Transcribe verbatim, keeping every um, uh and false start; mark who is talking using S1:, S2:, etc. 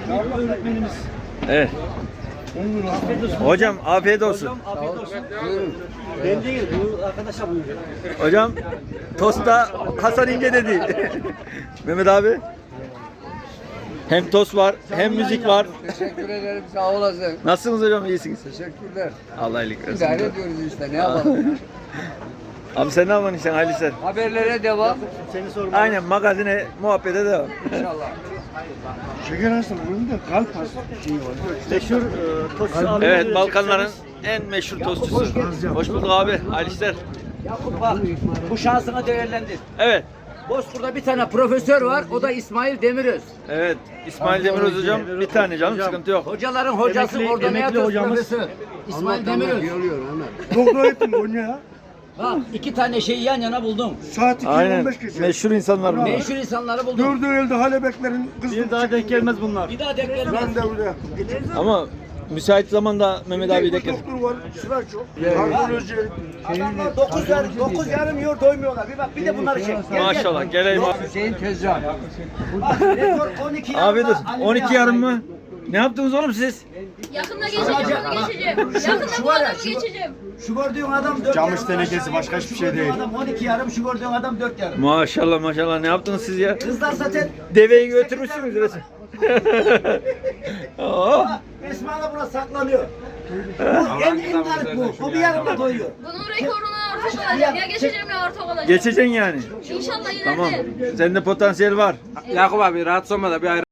S1: öğretmenimiz.
S2: Evet. Hocam afiyet olsun.
S1: Hocam afiyet olsun. Ben değil, bu arkadaşa buyuruyor.
S2: Hocam tosta Hasan İnce dedi. Mehmet abi. Hem tost var, hem müzik var.
S3: Teşekkür ederim, sağ olasın.
S2: Nasılsınız hocam? İyisiniz.
S3: Teşekkürler.
S2: Allah iyilik versin.
S3: İdare ediyoruz işte, ne yapalım?
S2: Abi sen ne yapıyorsun işte hayırlı işler.
S3: Haberlere devam.
S1: Seni sormalı.
S2: Aynen magazine muhabbete devam.
S3: İnşallah.
S4: Şeker hastalığının da kalp hastalığı şeyi var.
S1: Meşhur e, tostçu abi.
S2: Evet, Balkanların en meşhur tostçusu. Hoş bulduk abi. Hayırlı işler.
S5: Yakup bak, bu şansına değerlendir.
S2: Evet.
S5: Bozkurt'ta bir tane profesör var, o da İsmail Demiröz.
S2: Evet. İsmail Demiröz hocam bir tane canım sıkıntı yok.
S5: Hocaların hocası
S1: Emekli-
S5: orada ne
S1: emekli
S5: yapıyor
S1: hocamız.
S5: profesör? İsmail Demiröz.
S4: Doktor ettim Konya.
S5: Bak, iki tane şeyi yan yana buldum.
S4: Saat iki on
S2: Aynen.
S4: beş geçe.
S2: Meşhur insanlar bunlar.
S5: Meşhur insanları buldum.
S4: Dördü elde halebeklerin kızı.
S1: Bir daha denk gelmez bunlar.
S5: Bir daha denk gelmez.
S4: Ben de öyle.
S2: Ama müsait zamanda Mehmet abi de gel.
S4: Doktor var, sıra çok. Kardiyoloji.
S5: Adamlar dokuz yarım, dokuz yarım yiyor doymuyorlar. Bir bak, bir de bunları çek. Gel, gel.
S2: Maşallah geleyim abi.
S3: Hüseyin Tezcan.
S5: Bak, rekor on iki yarım.
S2: Abi dur. on iki yarım mı? Ne yaptınız oğlum siz?
S6: Yakında geçeceğim, bunu geçeceğim. Yakında
S5: şu
S6: bu
S5: var ya,
S6: adamı
S5: şu-
S6: geçeceğim.
S5: Şu gördüğün adam dört
S4: Camış
S5: yarım.
S4: tenekesi, başka hiçbir şey
S5: Şu gördüğün
S4: değil.
S5: adam on iki yarım, şu gördüğün adam dört yarım.
S2: Maşallah maşallah ne yaptınız siz ya?
S5: Kızlar zaten
S2: Deveyi götürmüşsünüz resim. Oh.
S5: Esma da buna saklanıyor. Bu en en garip bu. Bu bir yarımla doyuyor.
S6: Bunun rekorunu ortak olacak. Ya geçeceğim ya ortak olacak.
S2: Geçeceksin yani.
S6: İnşallah ileride.
S2: Tamam. Sende potansiyel var.
S3: Yakup abi rahatsız olma da bir ayrı.